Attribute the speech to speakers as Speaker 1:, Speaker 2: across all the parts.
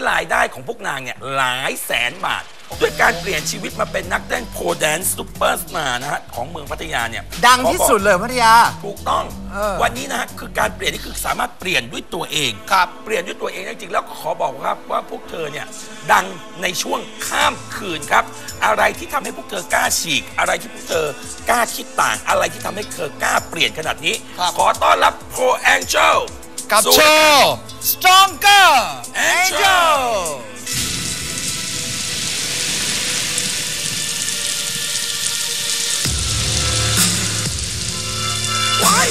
Speaker 1: รายได้ของพวกนางเนี่ยหลายแสนบาทด้วยการเปลี่ยนชีวิตมาเป็นนักเต้นโพแดนซ์ซูเปอร์สตาร์นะฮะของเมืองพัทยาเนี่ย
Speaker 2: ดังที่สุดเลยพัทยา
Speaker 1: ถูกต้องวันนี้นะฮะคือการเปลี่ยนนี่คือสามารถเปลี่ยนด้วยตัวเองครับเปลี่ยนด้วยตัวเองจริงๆแล้วก็ขอบอกครับว่าพวกเธอเนี่ยดังในช่วงข้ามคืนครับอะไรที่ทำให้พวกเธอกล้าฉีกอะไรที่พวกเธอกล้าคิดต่างอะไรที่ทำให้เธอกล้าเปลี่ยนขนาดนี้ขอต้อนรับโพแองเจิล
Speaker 2: กับโชว์ Stronger Angel
Speaker 1: Why?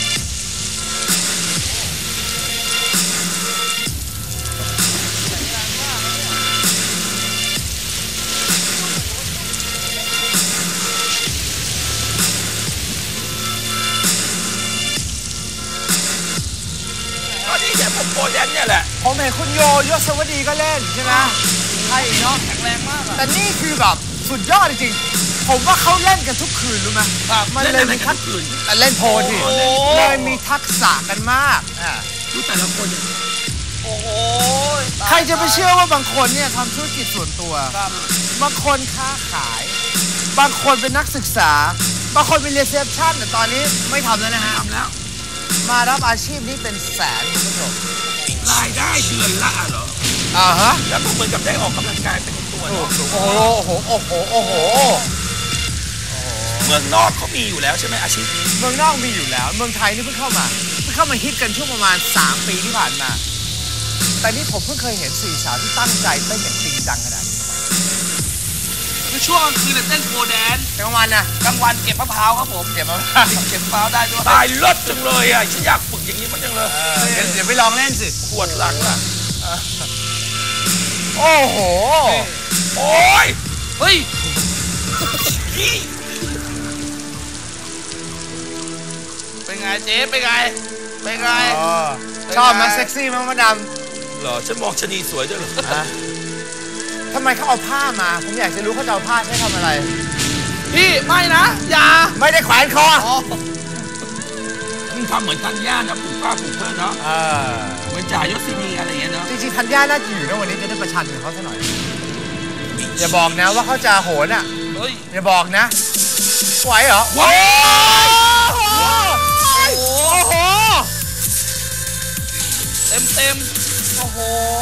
Speaker 1: ก็นี่แหละผมโปรแดนเนี่ยแหละ
Speaker 2: ผมเห็นคุณโยยศวดีก็เล่นใช่ไหมใช่เนาะ
Speaker 3: แข็งแรงมาก
Speaker 2: แต่นี่คือแบบสุดยอดจริงๆผมว่าเขาเล่นกันทุกคืนรู้ไหมมันเลยมีทักษะเล่นโพลที่เลยมีทักษะกันมาก
Speaker 1: ดูแต่ละคน
Speaker 3: โอ้โห
Speaker 2: ใครจะไปเชื่อว่าบางคนเนี่ยทำธุรกิจส่วนตัวบางคนค้าขายบางคนเป็นนักศึกษาบางคนเป็นรีเซพชันแต่ตอนนี้ไม่ทำแล้วนะฮะ
Speaker 1: ทำแล้ว
Speaker 2: มารับอาชีพนี้เป็นแสนคุณผู้ชม
Speaker 1: รายได้เดือนละเหรอ
Speaker 2: ฮะ
Speaker 1: แล้วก็เหมือนกับได้ออกกำลังกายเป็นตัว
Speaker 2: โอ้โหโอ้โหโอ้โห
Speaker 1: เมืองนอกเขามีอยู่แล้วใช่ไหมอาชีพนี้
Speaker 2: เมืองนอกมีอยู่แล้วเมืองไทยนี่เพิ่งเข้ามาฮิตกันช่วงประมาณ3 ปีที่ผ่านมาแต่นี่ผมเพิ่งเคยเห็น4 สาวที่ตั้งใจเต้นอย่างจริงจังขนาดนี้
Speaker 3: คือช่วงกลางคืนเต้นโพแดน
Speaker 2: กลางวันนะ
Speaker 3: กลางวันเก็บมะพร้าวครับผมเก็บมะพร้าวได้ด้วย
Speaker 1: ตายเลิศจังเลยอ่ะฉันอยากฝึกอย่างนี้มันจังเลย
Speaker 2: เดี๋ยวไปลองเล่นสิ
Speaker 1: ปวดหลังอ่ะ
Speaker 2: โอ้โห
Speaker 1: โอ้ย
Speaker 3: เฮ้ยเป็นไงเจ๊เป็นไง
Speaker 2: ชอบมาเซ็กซี่มั้งมาดาม
Speaker 1: เหรอฉันมองชะนีสวยด้วยเหรอ
Speaker 2: ทำไมเขาเอาผ้ามาผมอยากจะรู้เขาจะเอาผ้าใช้ทำอะไร
Speaker 3: พี่ไม่นะอย่า
Speaker 2: ไม่ได้แขวนคอ
Speaker 1: มึงทำเหมือนธัญญานะผูกผ้าผูกเพื่อนเนาะเหมือนจ่ายศนีอะไรอย่างเงี้ยเนาะ
Speaker 2: จริงๆธัญญาน่าจะอยู่นะวันนี้จะได้ประชันกับเขาซะหน่อยอย่าบอกนะว่าเขาจะโหนอ่ะอย่าบอกนะไหวเหรอ
Speaker 1: ว้าว
Speaker 2: โอ้โห
Speaker 3: เต็มโอ้โห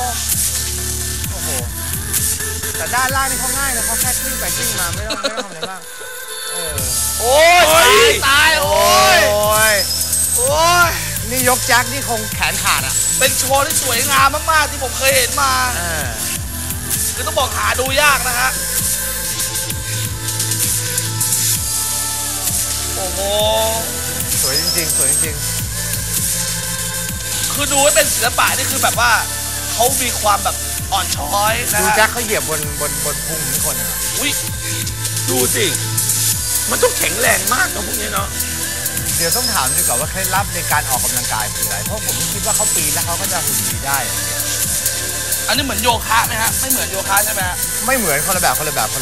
Speaker 2: แต่ด้านล่างนี่เขาง่ายนะเขาแค่ขึ้นไปขึ้นมาไม่ต้องทำอะไรบ้าง
Speaker 3: โอ้ยตายโอ้ย
Speaker 2: นี่ยกแจ็คนี่คงแขนขาดอ่ะ
Speaker 3: เป็นโชว์ที่สวยงามมากๆที่ผมเคยเห็นมาคือต้องบอกหาดูยากนะฮะโอ้โห
Speaker 2: สวยจริง
Speaker 3: คือดูให้เป็นศิลปะนี่คือแบบว่าเขามีความแบบอ่อนช้อยนะ
Speaker 2: ดูแจ็คเขาเหยียบบนพุงทุกคน
Speaker 1: อุ้ยดูสิมันต้องแข็งแรงมากนะพวกนี้เนาะ
Speaker 2: เดี๋ยวต้องถามดีกว่าว่าเคล็ดลับในการออกกำลังกายคืออะไรเพราะผมคิดว่าเขาปีนแล้วเขาก็จะหุ่นดีได้
Speaker 3: อันนี้เหมือนโยคะไหมฮะไม่เหมือนโยคะใช่ไหมฮะ
Speaker 2: ไม่เหมือนคนละแบบ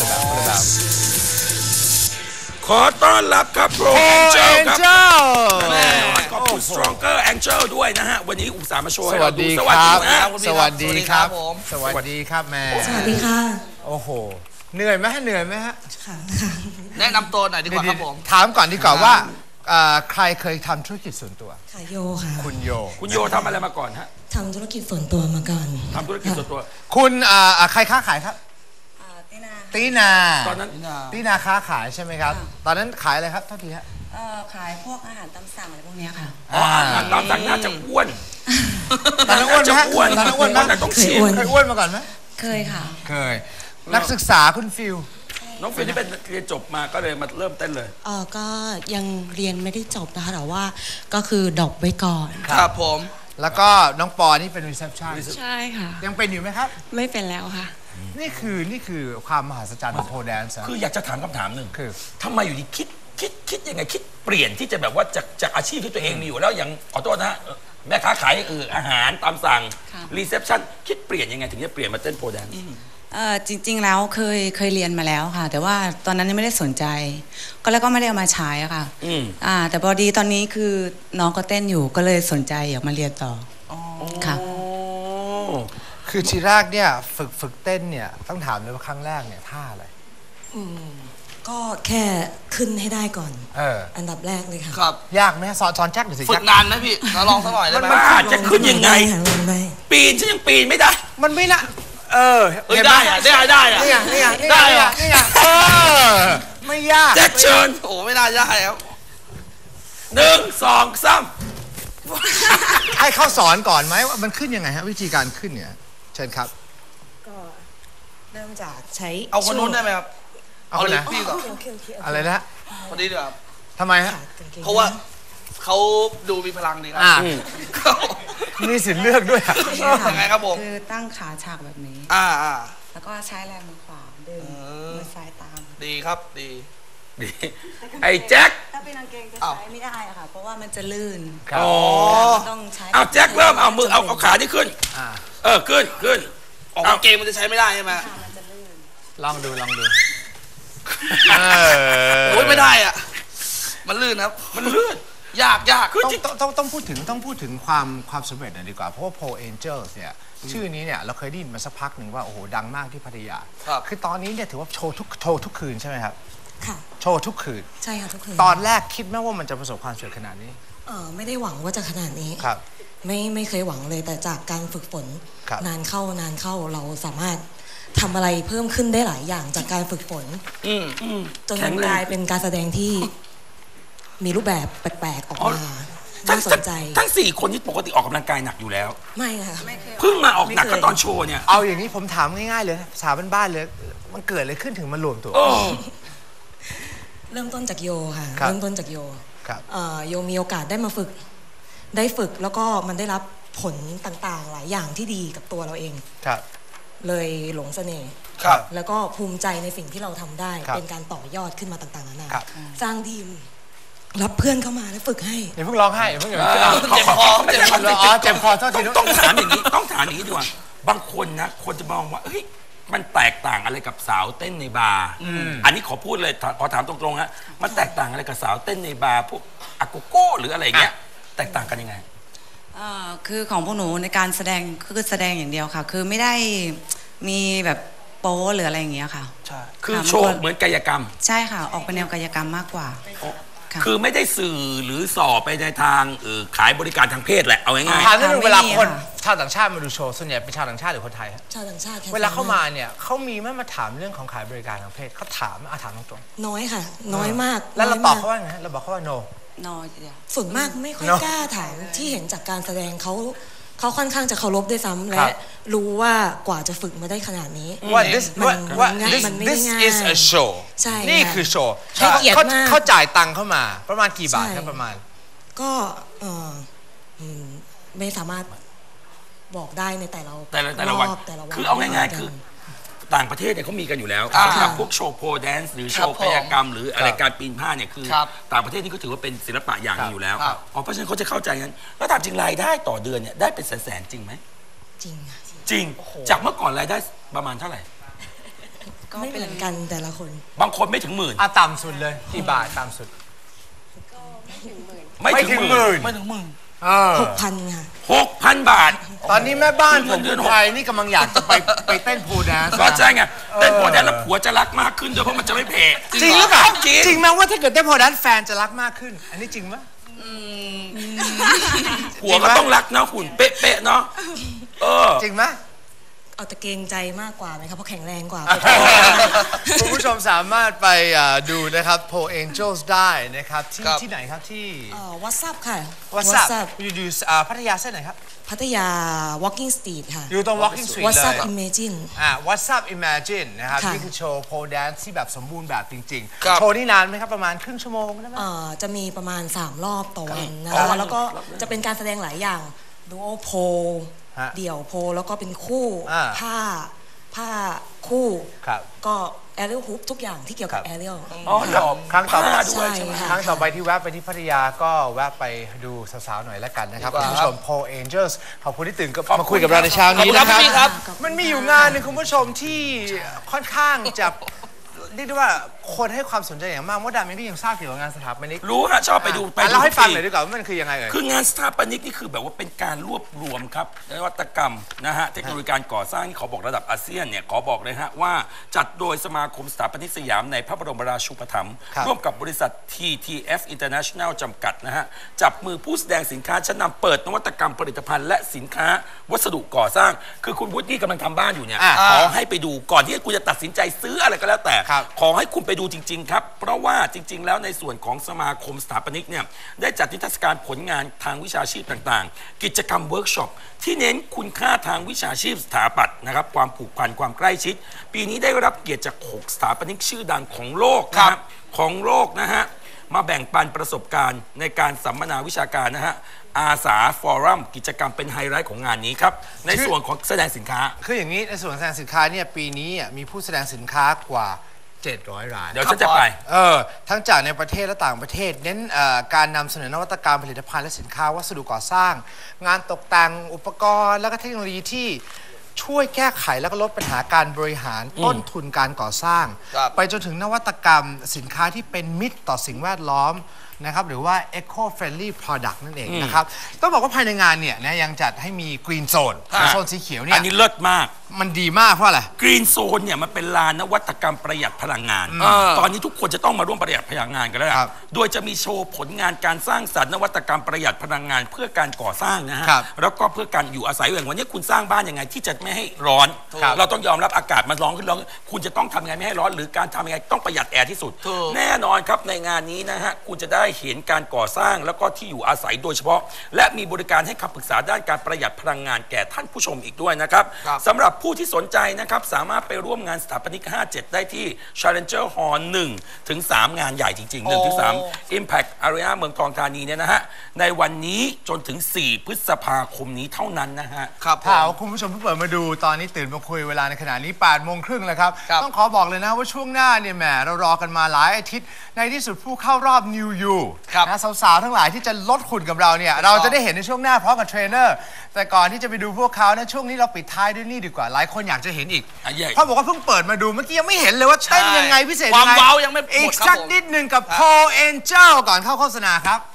Speaker 1: ขอต้อนรับครับโปรแองเจิลครับขอบคุณ Stronger Angel ด้วยนะฮะวันนี้อุตส่าห์มาโชว์ให้เราดู
Speaker 2: สวัสดีครับ
Speaker 3: สวัสดีครับ
Speaker 2: แม่
Speaker 4: สวัสดีค่ะ
Speaker 2: โอ้โหเหนื่อยไหมฮะ
Speaker 4: ค่ะ
Speaker 3: แนะนำตัวหน่อยดีกว่าครับผม
Speaker 2: ถามก่อนดีกว่าว่าใครเคยทำธุรกิจส่วนตัว
Speaker 4: ค่ะโยค่ะ
Speaker 2: คุณ
Speaker 1: โยทำอะไรมาก่อนฮะ
Speaker 4: ทำธุรกิจส่วนตัวมาก่อน
Speaker 1: ทำธุรกิจส่วนตัว
Speaker 2: คุณใครค้าขายครับตีนา
Speaker 1: ตอนนั้น
Speaker 2: ตีนาค้าขายใช่ไหมครับตอนนั้นขายอะไรครับเท่าทีฮะ
Speaker 4: ขายพวกอาหารตามสั่งอะไรพวกนี้ค่ะ
Speaker 1: อาหารตามสั่งน่าจะอ้วน
Speaker 2: ตอนนั้นอ้วนไหมตอนนั้นอ้วนไหมเคยอ้วนมาก่อนไหม
Speaker 4: เคยค่ะ
Speaker 2: เคยนักศึกษาคุณฟิล
Speaker 1: น้องฟิลที่เป็นเรียนจบมาก็เลยมาเริ่มเต้นเลย
Speaker 4: ก็ยังเรียนไม่ได้จบนะคะแต่ว่าก็คือดรอปไว้ก่อน
Speaker 3: ครับผม
Speaker 2: แล้วก็น้องปอนี่เป็นรีเซพชัน
Speaker 4: ใช่ค่ะ
Speaker 2: ยังเป็นอยู่ไหมครับ
Speaker 4: ไม่เป็นแล้วค่ะ
Speaker 2: นี่คือความมหัศจรรย์ของโพแดนซ์
Speaker 1: คืออยากจะถามคำถามหนึ่งคือทำไมอยู่ดีคิดยังไงคิดเปลี่ยนที่จะแบบว่าจากอาชีพที่ตัวเองมีอยู่แล้วอย่างขอโทษนะแม่ค้าขายอาหารตามสั่งรีเซพชันคิดเปลี่ยนยังไงถึงจะเปลี่ยนมาเต้นโพแดนซ์
Speaker 4: จริงๆแล้วเคยเรียนมาแล้วค่ะแต่ว่าตอนนั้นยังไม่ได้สนใจแล้วก็ไม่ได้เอามาใช้ค่ะแต่พอดีตอนนี้คือน้องก็เต้นอยู่ก็เลยสนใจอยากมาเรียนต่อค่ะ
Speaker 2: คือทีแรกเนี่ยฝึกเต้นเนี่ยต้องถามเลยว่าครั้งแรกเนี่ยท่าอะไร
Speaker 5: ก็แค่ขึ้นให้ได้ก่อน
Speaker 2: อั
Speaker 5: นดับแรกเลยค่ะ
Speaker 3: ครับ
Speaker 2: ยากไหมสอนแจ็คหน่อยสิ
Speaker 3: ฝึกนานไหมพี่เราลองสักหน่อยได้ไหม
Speaker 1: จะขึ้นยังไงปีนฉันยังปีนไม่ได้
Speaker 2: มันไม่น่า
Speaker 3: ได้อะนี่ไง
Speaker 2: ไม่ยาก
Speaker 1: แจ็คเชิญ
Speaker 3: โอ้ไม่น่าได้ครับ
Speaker 1: 1 2 3
Speaker 2: ให้เขาสอนก่อนไหมว่ามันขึ้นยังไงฮะวิธีการขึ้นเนี่ยเชิญครับ
Speaker 5: ก็เริ่มจากใช้
Speaker 3: เอาคนนู้นได้ไหมครับ
Speaker 2: เอาคนไหน
Speaker 3: พี่ก่อน
Speaker 2: อะไรนะ
Speaker 3: คนนี้ดีกว่า
Speaker 2: ทำไมฮะ
Speaker 3: เพราะว่าเขาดูมีพลังดีครับ
Speaker 2: มีสิทธิ์เลือกด้วย
Speaker 3: ยังไงครับผม
Speaker 4: คือตั้งขาฉากแบบนี้แล้วก็ใช้แรงมือขวาดึงมือซ้ายตาม
Speaker 3: ดีครับดี
Speaker 1: ไอ้แจ็ค
Speaker 4: ถ้าเป็นกางเกงจะใช้ไม่ได้อะค่ะเพราะว่ามันจะลื่นต้องใช้
Speaker 1: เอาแจ็คเริ่มเอามือเอาขาที่ขึ้นขึ้น
Speaker 3: ออกกางเกงมันจะใช้ไม่ได้ใช่ไหม
Speaker 2: ลองดู
Speaker 3: โอ้ยไม่ได้อ่ะมันลื่นครับมันลื่นยาก
Speaker 2: ต้องพูดถึงความสำเร็จหน่อยดีกว่าเพราะว่า Paul Angels เนี่ยชื่อนี้เนี่ยเราเคยได้ยินมาสักพักหนึ่งว่าโอ้โหดังมากที่พัทยาคือตอนนี้เนี่ยถือว่าโชว์ทุกคืนใช่ไหมครับ
Speaker 5: ค่ะ
Speaker 2: โชว์ทุกคืน
Speaker 5: ใช่ค่ะทุกคืน
Speaker 2: ตอนแรกคิดไหมว่ามันจะประสบความสำเร็จขนาดนี้
Speaker 5: ไม่ได้หวังว่าจะขนาดนี้
Speaker 2: ครับ
Speaker 5: ไม่เคยหวังเลยแต่จากการฝึกฝนนานเข้าเราสามารถทำอะไรเพิ่มขึ้นได้หลายอย่างจากการฝึกฝนจนกลายเป็นการแสดงที่มีรูปแบบแปลกๆออกมาน่าสนใจ
Speaker 1: ทั้ง4คนนี้ปกติออกกำลังกายหนักอยู่แล้ว
Speaker 5: ไม่ค่ะ
Speaker 1: เพิ่งมาออกหนักก็ตอนโชว์เนี่ย
Speaker 2: เอาอย่างนี้ผมถามง่ายๆเลยภาษาบ้านๆเลยมันเกิดอะไรขึ้นถึงมารวมตัว
Speaker 5: เริ่มต้นจากโยค่ะเริ่มต้นจากโยโยมีโอกาสได้มาฝึกแล้วก็มันได้รับผลต่างๆหลายอย่างที่ดีกับตัวเราเองเลยหลงเสน่ห์แล้วก็ภูมิใจในสิ่งที่เราทำได้เป็นการต่อยอดขึ้นมาต่างๆนานาสร้างทีมรับเพื่อนเข้ามาแล้วฝึกให้
Speaker 2: อย่าเพิ่งร้องไห้อย่าเพิ่งเจ็บคอโทษที
Speaker 1: ต้องถามอย่างนี้ดีกว่าบางคนนะคนจะมองว่าเฮ้ยมันแตกต่างอะไรกับสาวเต้นในบาร์อันนี้ขอพูดเลยขอถามตรงๆฮะมันแตกต่างอะไรกับสาวเต้นในบาร์พวกอาโกโก้หรืออะไรเงี้ยแตกต่างกันยังไง
Speaker 4: คือของพวกหนูในการแสดงคือแสดงอย่างเดียวค่ะคือไม่ได้มีแบบโป๊หรืออะไรอย่างเงี้ยค่ะ
Speaker 1: ใช่คือโชว์เหมือนกายกรรม
Speaker 4: ใช่ค่ะออกเป็นแนวกายกรรมมากกว่า
Speaker 1: คือไม่ได้สื่อหรือสอบไปในทางขายบริการทางเพศแหละเอาง่าย
Speaker 2: ๆถามนิดนึงเวลาคนชาวต่างชาติมาดูโชว์ส่วนใหญ่เป็นชาวต่างชาติหรือคนไทย
Speaker 5: ชาวต่างชาติ
Speaker 2: เวลาเข้ามาเนี่ยเขามีไหมมาถามเรื่องของขายบริการทางเพศเขาถามตรง
Speaker 5: ๆน้อยค่ะน้อยมาก
Speaker 2: แล้วเราตอบเขาว่าไงเราบอกเขาว่า no
Speaker 5: ส่วนมากไม่ค่อยกล้าถามที่เห็นจากการแสดงเขาค่อนข้างจะเคารพด้วยซ้ำและรู้ว่ากว่าจะฝึกมาได้ขนาดนี้
Speaker 2: ว่า
Speaker 5: this
Speaker 2: มันไม่ง่าย is a show
Speaker 5: ใช่
Speaker 2: นี่คือโชว์เขาจ่ายตังค์เข้ามาประมาณกี่บาทครับประมาณ
Speaker 5: ก็ไม่สามารถบอกได้ในแต่ละวัน
Speaker 1: คือเอาง่ายๆคือต่างประเทศเนี่ยเขามีกันอยู่แล้วสำหรับพวกโชว์โพแดนซ์หรือโชว์กายกรรมหรืออะไรการปีนผ้าเนี่ยคือต่างประเทศนี่ก็ถือว่าเป็นศิลปะอย่างนึงอยู่แล้วเพราะฉะนั้นเขาจะเข้าใจงั้นแล้วถามจริงรายได้ต่อเดือนเนี่ยได้เป็นแสนจริงไหมจริงจากเมื่อก่อนรายได้ประมาณเท่าไหร่
Speaker 5: ก็ไม่เหมือนกันแต่ละคน
Speaker 1: บางคนไม่ถึงหมื่น
Speaker 2: ต่ำสุดเลยกี่บาทต่ำสุด
Speaker 1: ไม่ถึงหมื่น
Speaker 5: 6,000 ค่ะ
Speaker 1: 6,000 บาท
Speaker 2: ตอนนี้แม่บ้านผมคนไทยนี่กำลังอยากจะไปเต้นโพแดนซ์
Speaker 1: ก็ใช่ไงเต้นโพแดนซ์แล้วผัวจะรักมากขึ้นด้วยเพราะมันจะไม่แพ้
Speaker 2: จริงหรือเปล่าจริงไหมว่าถ้าเกิดเต้นโพแดนซ์แฟนจะรักมากขึ้นอันนี้จริงไหม
Speaker 1: ผัวก็ต้องรักนะหุ่นเป๊ะๆเนาะ
Speaker 2: จริงไหม
Speaker 5: เอาแต่เกรงใจมากกว่าไหมครับเพราะแข็งแรงกว่า
Speaker 2: คุณผู้ชมสามารถไปดูนะครับ Paul Angels ได้นะครับที่ไหนครับที่
Speaker 5: WhatsApp ค่ะ
Speaker 2: WhatsApp อยู่พัทยาเส้นไหนครับ
Speaker 5: พัทยา Walking Street ค่ะ
Speaker 2: อยู่ตรง Walking Street เลย
Speaker 5: WhatsApp Imagine
Speaker 2: WhatsApp Imagine นะครับนี่คือโชว์ Pole Dance ที่แบบสมบูรณ์แบบจริงๆโชว์นี่นานไหมครับประมาณครึ่งชั่วโมงได้ไหม
Speaker 5: จะมีประมาณ3รอบต่อวันนะคะแล้วก็จะเป็นการแสดงหลายอย่างดูโอโพเดี่ยวโพแล้วก็เป็นคู่ผ้าคู่ก็แอเรียลฮุปทุกอย่างที่เกี่ยวกับแอเรียล
Speaker 2: ครั้งต่อไปด้วยครั้งต่อไปที่แวะไปที่พัทยาก็แวะไปดูสาวๆหน่อยแล้วกันนะครับคุณผู้ชม Paul Angels ขอบคุณที่ตื่นมาคุยกับเราในเช้านี้นะครับมันมีอยู่งานนึงคุณผู้ชมที่ค่อนข้างจะเรียกได้ว่าคนให้ความสนใจอย่างมากมดดำเองก็ยังทราบเกี่ยวกับงานสถาปนิก
Speaker 1: รู้ฮะชอบไปดู
Speaker 2: เล่าให้ฟังหน่อยดีกว่าว่ามันคือยังไง
Speaker 1: คืองานสถาปนิกนี่คือแบบว่าเป็นการรวบรวมครับนวัตกรรมนะฮะเทคโนโลยีการก่อสร้างที่ขอบอกระดับอาเซียนเนี่ยขอบอกเลยฮะว่าจัดโดยสมาคมสถาปนิกสยามในพระบรมราชูปถัมภ์ร่วมกับบริษัท TTF International จำกัดนะฮะจับมือผู้แสดงสินค้าชั้นนำเปิดนวัตกรรมผลิตภัณฑ์และสินค้าวัสดุก่อสร้างคือคุณวุฒิกำลังทำบ้านอยู่เนี่ยขอให้ไปดูก่อนที่คุณจะตัดสินใจซื้ออะไรก็แล้วแต่ขอให้คุณไปดูจริงๆครับเพราะว่าจริงๆแล้วในส่วนของสมาคมสถาปนิกเนี่ยได้จัดนิทรรศการผลงานทางวิชาชีพต่างๆกิจกรรมเวิร์กช็อปที่เน้นคุณค่าทางวิชาชีพสถาปัตย์นะครับความผูกพันความใกล้ชิดปีนี้ได้รับเกียรติจาก6สถาปนิกชื่อดังของโลกนะครับของโลกนะฮะมาแบ่งปันประสบการณ์ในการสัมมนาวิชาการนะฮะอาสาฟอรัมกิจกรรมเป็นไฮไลท์ของงานนี้ครับในส่วนของแสดงสินค้า
Speaker 2: คืออย่างนี้ในส่วนแสดงสินค้าเนี่ยปีนี้มีผู้แสดงสินค้ากว่า700 ราย
Speaker 1: เดี๋ยวฉันจะไป
Speaker 2: ทั้งจากในประเทศและต่างประเทศเน้นการนำเสนอนวัตกรรมผลิตภัณฑ์และสินค้าวัสดุก่อสร้างงานตกแต่งอุปกรณ์และก็เทคโนโลยีที่ช่วยแก้ไขและก็ลดปัญหาการบริหารต้นทุนการก่อสร้างไปจนถึงนวัตกรรมสินค้าที่เป็นมิตรต่อสิ่งแวดล้อมนะครับหรือว่า eco friendly product นั่นเองนะครับต้องบอกว่าภายในงานเนี่ยนะยังจัดให้มี green zone โซนสีเขียวเนี่ย
Speaker 1: อันนี้เลิศมาก
Speaker 2: มันดีมากเพราะอะไร
Speaker 1: Green Zone เนี่ยมันเป็นลานนวัตกรรมประหยัดพลังงานตอนนี้ทุกคนจะต้องมาร่วมประหยัดพลังงานกันแล้วโดยจะมีโชว์ผลงานการสร้างสรรค์นวัตกรรมประหยัดพลังงานเพื่อการก่อสร้างนะฮะแล้วก็เพื่อการอยู่อาศัยอย่างวันนี้คุณสร้างบ้านยังไงที่จะไม่ให้ร้อนเราต้องยอมรับอากาศมันร้อนขึ้นร้อนคุณจะต้องทำยังไงไม่ให้ร้อนหรือการทำยังไงต้องประหยัดแอร์ที่สุดแน่นอนครับในงานนี้นะฮะคุณจะได้เห็นการก่อสร้างแล้วก็ที่อยู่อาศัยโดยเฉพาะและมีบริการให้คำปรึกษาด้านการประหยัดพลังงานแก่ท่านผู้ชมอีกด้วยนะครับสำหรับผู้ที่สนใจนะครับสามารถไปร่วมงานสถาปนิก 57 ได้ที่ Challenger Hall 1 ถึง 3 งานใหญ่จริงๆ 1 ถึง 3 Impact Arena เมืองทองธานีเนี่ยนะฮะในวันนี้จนถึง 4 พฤษภาคมนี้เท่านั้นนะฮะ
Speaker 2: ครับถ้าคุณผู้ชมเพิ่งเปิดมาดูตอนนี้ตื่นมาคุยเวลาในขณะนี้ 8:30 แล้วครับต้องขอบอกเลยนะว่าช่วงหน้าเนี่ยแหมเรารอกันมาหลายอาทิตย์ในที่สุดผู้เข้ารอบ New You นะสาวๆทั้งหลายที่จะลดหุ่นกับเราเนี่ยเราจะได้เห็นในช่วงหน้าพร้อมกับเทรนเนอร์แต่ก่อนที่จะไปดูพวกเขานะช่วงนี้เราปิดท้ายด้วยนี่ดีกว่าหลายคนอยากจะเห็นอีกเพราะบอกว่าเพิ่งเปิดมาดูเมื่อกี้ยังไม่เห็นเลยว่าเต้นยังไงพิเศษยังไง
Speaker 3: ความว้าวยังไม่หมดครับผม
Speaker 2: อีกสักนิดหนึ่งกับ Paul Angel ก่อนเข้าโฆษณาครับ